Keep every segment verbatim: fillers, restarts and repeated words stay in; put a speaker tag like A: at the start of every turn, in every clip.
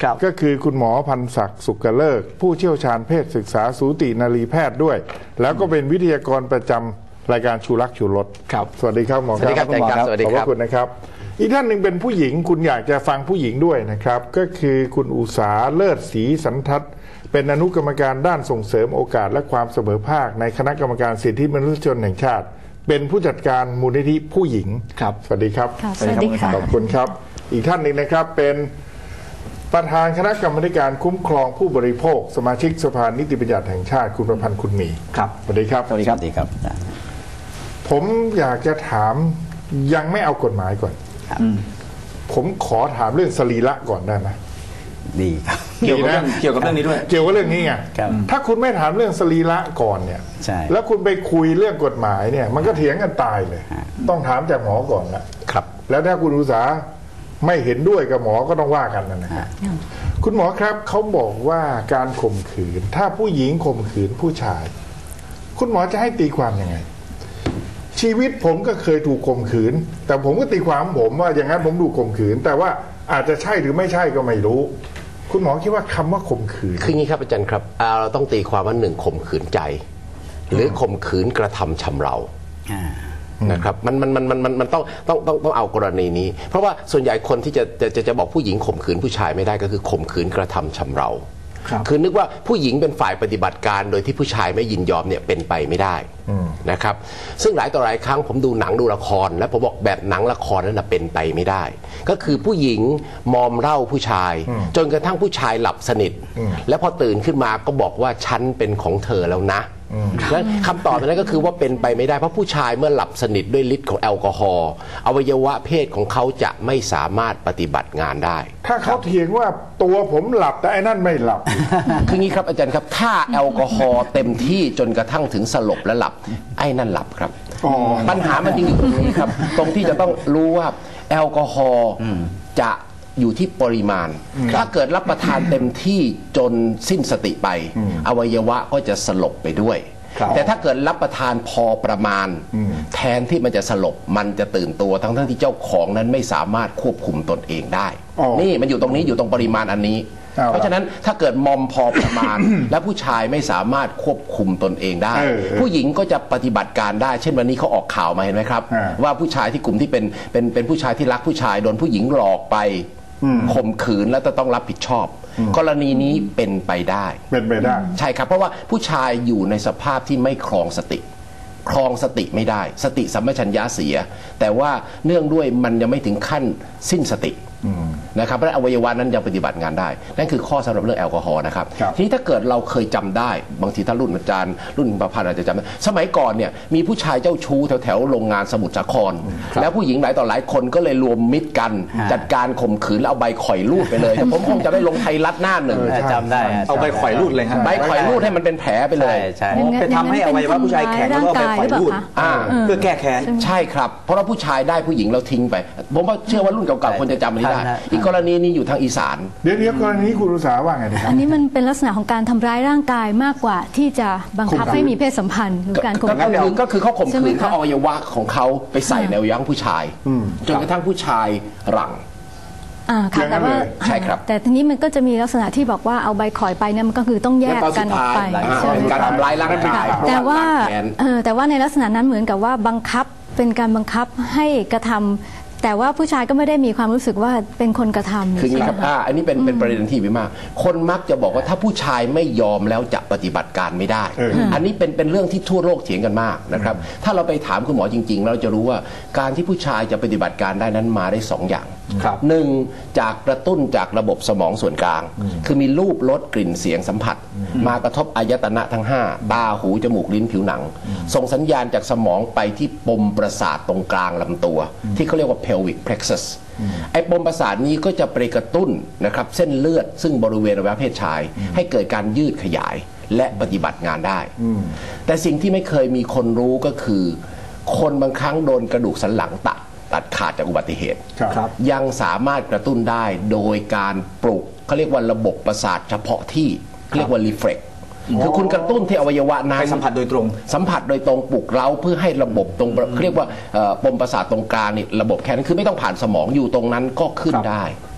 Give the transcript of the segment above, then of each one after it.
A: ก็คือคุณหมอพันศักดิ์สุกเลิกผู้เชี่ยวชาญเพศศึกษาสูตินารีแพทย์ด้วยแล้วก็เป็นวิทยากรประจำรายการชูรักชูรสครับสวัสดีครับหมอครับ
B: สวัสดีครับ
A: ขอบพระคุณนะครับอีกท่านหนึ่งเป็นผู้หญิงคุณอยากจะฟังผู้หญิงด้วยนะครับก็คือคุณอุษาเลิศศรีสันทัศน์เป็นอนุกรรมการด้านส่งเสริมโอกาสและความเสมอภาคในคณะกรรมการสิทธิมนุษยชนแห่งชาติเป็นผู้จัดการมูลนิธิผู้หญิงครับสวัสดีครับ
C: สวัสดีค่ะ
A: ขอบคุณครับอีกท่านหนึ่งนะครับเป็นประธานคณะกรรมการคุ้มครองผู้บริโภคสมาชิกสภานิติบัญญัติแห่งชาติคุณประพันธ์คุณมี
B: ครับ
A: สวัสดีครับ
B: สวัสดีครับสวัสดีครับ
A: ผมอยากจะถามยังไม่เอากฎหมายก่อนผมขอถามเรื่องสรีระก่อนได้ไหม
B: ดีครับเกี่ยวกับเรื่องเกี่ยวกับเรื่องนี้ด้วย
A: เกี่ยวกับเรื่องนี้ไงถ้าคุณไม่ถามเรื่องสรีระก่อนเนี่ยแล้วคุณไปคุยเรื่องกฎหมายเนี่ยมันก็เถียงกันตายเลยต้องถามจากหมอก่อนนะครับแล้วถ้าคุณอุตสาห์ไม่เห็นด้วยกับหมอก็ต้องว่ากันนะครับคุณหมอครับเขาบอกว่าการข่มขืนถ้าผู้หญิงข่มขืนผู้ชายคุณหมอจะให้ตีความยังไงชีวิตผมก็เคยถูกข่มขืนแต่ผมก็ตีความผมว่าอย่างนั้นผมถูกข่มขืนแต่ว่าอาจจะใช่หรือไม่ใช่ก็ไม่รู้คุณหมอคิดว่าคำว่าข่มขืน
D: คืองี้ครับอาจารย์ครับเราต้องตีความว่าหนึ่งข่มขืนใจหรือข่มขืนกระทำชำเรานะครับมันมันมันมันมันต้องต้องต้องต้องเอากรณีนี้เพราะว่าส่วนใหญ่คนที่จะจะจะบอกผู้หญิงข่มขืนผู้ชายไม่ได้ก็คือข่มขืนกระทำชำเราคือนึกว่าผู้หญิงเป็นฝ่ายปฏิบัติการโดยที่ผู้ชายไม่ยินยอมเนี่ยเป็นไปไม่ได้นะครับซึ่งหลายต่อหลายครั้งผมดูหนังดูละครแล้วผมบอกแบบหนังละครนั้นเป็นไปไม่ได้ก็คือผู้หญิงมอมเหล้าผู้ชายจนกระทั่งผู้ชายหลับสนิทแล้วพอตื่นขึ้นมาก็บอกว่าฉันเป็นของเธอแล้วนะและคำตอบนั้นก็คือว่าเป็นไปไม่ได้เพราะผู้ชายเมื่อหลับสนิทด้วยฤทธิ์ของแอลกอฮอล์อวัยวะเพศของเขาจะไม่สามารถปฏิบัติงานได้
A: ถ้าเขาเถียงว่าตัวผมหลับแต่ไอ้นั่นไม่หลับ
D: คืองี้ครับอาจารย์ครับถ้าแอลกอฮอล์เต็มที่จนกระทั่งถึงสลบและหลับไอ้นั่นหลับครับปัญหามันจริงอยู่ตรงนี้ครับตรงที่จะต้องรู้ว่าแอลกอฮอล์จะอยู่ที่ปริมาณถ้าเกิดรับประทานเต็มที่จนสิ้นสติไปอวัยวะก็จะสลบไปด้วยแต่ถ้าเกิดรับประทานพอประมาณแทนที่มันจะสลบมันจะตื่นตัวทั้งทั้งที่เจ้าของนั้นไม่สามารถควบคุมตนเองได้นี่มันอยู่ตรงนี้อยู่ตรงปริมาณอันนี้เพราะฉะนั้นถ้าเกิดมอมพอประมาณและผู้ชายไม่สามารถควบคุมตนเองได้ผู้หญิงก็จะปฏิบัติการได้เช่นวันนี้เขาออกข่าวมาเห็นไหมครับว่าผู้ชายที่กลุ่มที่เป็นเป็นเป็นผู้ชายที่รักผู้ชายโดนผู้หญิงหลอกไปข่มขืนแล้วจะต้องรับผิดชอบกรณีนี้เป็นไปได้
A: เป็นไปได้
D: ใช่ครับเพราะว่าผู้ชายอยู่ในสภาพที่ไม่ครองสติครองสติไม่ได้สติสัมปชัญญะเสียแต่ว่าเนื่องด้วยมันยังไม่ถึงขั้นสิ้นสตินะครับเพราะอวัยวะนั้นยังปฏิบัติงานได้นั่นคือข้อสำหรับเรื่องแอลกอฮอล์นะครับทีนี้ถ้าเกิดเราเคยจำได้บางทีถ้ารุ่นอาจารย์รุ่นประพันธ์อาจจะจำได้สมัยก่อนเนี่ยมีผู้ชายเจ้าชู้แถวแถวโรงงานสมุทรสาครแล้วผู้หญิงหลายต่อหลายคนก็เลยรวมมิตรกันจัดการข่มขืนแล้วเอาใบข่อยรูดไปเลยแต่ผมคงจะได้ลงไทยรัฐหน้าหนึ่ง
B: จำได้เอาใบข่อยรูดเลยครับ
D: ใบข่อยรูดให้มันเป็นแผลไปเลย
B: ไปทำให้อวัยวะผู้ชายแข็งแล้วก็ใบข่อยรูดเพื่อแก้แค้น
D: ใช่ครับเพราะว่าผู้ชายได้ผู้หญิงเราทิ้งไปผมว่าเชื่อว่ารุ่นเก่าๆคนจะจำไม่ได้อีกกรณีนี้อยู่ทางอีสาน
A: เดี๋ยวเดี๋ยวกรณีนี้คุณอุษาว่าไงนะครับ
C: อันนี้มันเป็นลักษณะของการทำร้ายร่างกายมากกว่าที่จะบังคับให้มีเพศสัมพันธ์หรือการข่มขืน
D: ก็คือเขาข่มขืนเขาเอาอวัยวะของเขาไปใส่ในอวัยวะผู้ชายจนกระทั่งผู้ชายหลัง
C: อ่าค่ะแต่ว่า
D: ใช่ครับ
C: แต่ทีนี้มันก็จะมีลักษณะที่บอกว่าเอาใบข่อยไปเนี่ยมันก็คือต้องแยกกันออกไป
D: การทำร้ายร่างกาย
C: แต่ว่าแต่ว่าในลักษณะนั้นเหมือนกับว่าบังคับเป็นการบังคับให้กระทำแต่ว่าผู้ชายก็ไม่ได้มีความรู้สึกว่าเป็นคนกระทำ
D: คืออย่างนี้ครับอ่าอันนี้เป็นเป็นประเด็นที่วิมากคนมักจะบอกว่าถ้าผู้ชายไม่ยอมแล้วจะปฏิบัติการไม่ได้อันนี้เป็นเป็นเรื่องที่ทั่วโลกเถียงกันมากนะครับถ้าเราไปถามคุณหมอจริงๆเราจะรู้ว่าการที่ผู้ชายจะปฏิบัติการได้นั้นมาได้สองอย่างหนึ่งจากกระตุ้นจากระบบสมองส่วนกลางคือมีรูปรสกลิ่นเสียงสัมผัสมากระทบอายตนะทั้งห้าตาหูจมูกลิ้นผิวหนังส่งสัญญาณจากสมองไปที่ปมประสาทตรงกลางลำตัวที่เขาเรียกว่า pelvic plexus ไอ้ปมประสาทนี้ก็จะไปกระตุ้นนะครับเส้นเลือดซึ่งบริเวณอวัยวะเพศชายให้เกิดการยืดขยายและปฏิบัติงานได้แต่สิ่งที่ไม่เคยมีคนรู้ก็คือคนบางครั้งโดนกระดูกสันหลังตัดตัดขาดจากอุบัติเหตุยังสามารถกระตุ้นได้โดยการปลุกเขาเรียกว่าระบบประสาทเฉพาะที่เรียกว่ารีเฟล็กคือคุณกระตุ้นที่อวัยวะนั้น
B: ไปสัมผัสโดยตรง
D: สัมผัสโดยตรงปลุกเร้าเพื่อให้ระบบตรงเรียกว่าปมประสาทตรงกลางนี่ระบบแค่นั้นคือไม่ต้องผ่านสมองอยู่ตรงนั้นก็ขึ้นได้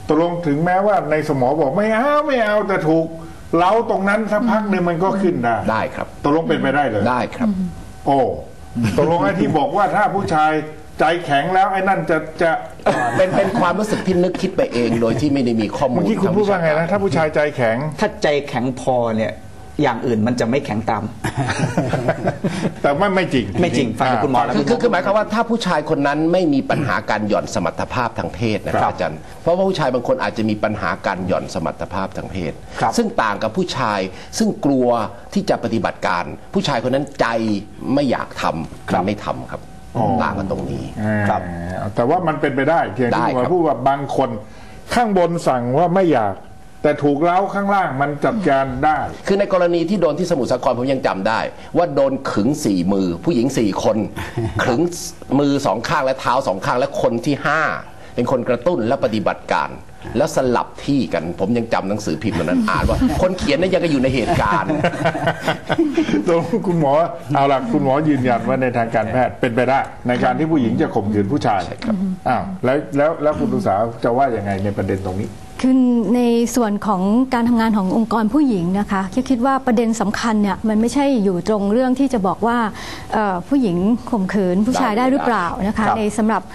A: ตกลงถึงแม้ว่าในสมองบอกไม่เอาไม่เอาแต่ถูกเล้าตรงนั้นสักพักหนึ่งมันก็ขึ้นได้
D: ได้ครับ
A: ตกลงเป็นไปได้เลย
D: ได้ครับ
A: โอ้ตกลงไอ้ที่บอกว่าถ้าผู้ชายใจแข็งแล้วไอ้นั่นจะจะ
D: เป็นเป็นความรู้สึกที่นึกคิดไปเองโดยที่ไม่ได้มีข้อมูล
A: เมื่อกี้คุณพูดว่าไงนะถ้าผู้ชายใจแข็ง
E: ถ้าใจแข็งพอเนี่ยอย่างอื่นมันจะไม่แข็งตาม
A: แต่ไม่ไม่จริง
E: ไม่จริงฟังจากคุณหมอแล้ว
D: คือคือหมายความว่าถ้าผู้ชายคนนั้นไม่มีปัญหาการหย่อนสมรรถภาพทางเพศนะครับอาจารย์เพราะว่าผู้ชายบางคนอาจจะมีปัญหาการหย่อนสมรรถภาพทางเพศซึ่งต่างกับผู้ชายซึ่งกลัวที่จะปฏิบัติการผู้ชายคนนั้นใจไม่อยากทำไม่ทำครับต่างกันตรงนี้
A: ครับแต่ว่ามันเป็นไปได้เพียงที่ว่าพูดว่าบางคนข้างบนสั่งว่าไม่อยากแต่ถูกเล้าข้างล่างมันจัดการได้
D: คือในกรณีที่โดนที่สมุทรสาครผมยังจำได้ว่าโดนขึงสี่มือผู้หญิงสี่คนขึงมือสองข้างและเท้าสองข้างและคนที่ห้าเป็นคนกระตุ้นและปฏิบัติการแล้วสลับที่กันผมยังจำหนังสือพิมพ์นั้นอ่านว่าคนเขียนนั้นยังอยู่ในเหตุการณ์
A: ตรงคุณหมอเอาล่ะคุณหมอยืนยันว่าในทางการแพทย์เป็นไปได้ในการที่ผู้หญิงจะข่มขืนผู้ชายอ้าวแล้วแล้วแล้วคุณตุสาจะว่ายังไงในประเด็นตรงนี้
C: คือในส่วนของการทำงานขององค์กรผู้หญิงนะคะคิดว่าประเด็นสำคัญเนี่ยมันไม่ใช่อยู่ตรงเรื่องที่จะบอกว่าผู้หญิงข่มขืนผู้ชายได้หรือเปล่านะคะในสำหรับ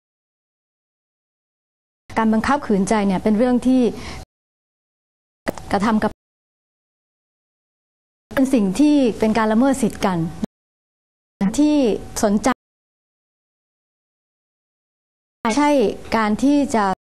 C: การบังคับขืนใจเนี่ยเป็นเรื่องที่กระทำกับเป็นสิ่งที่เป็นการละเมิดสิทธิ์กันที่สนใจใช่การที่จะ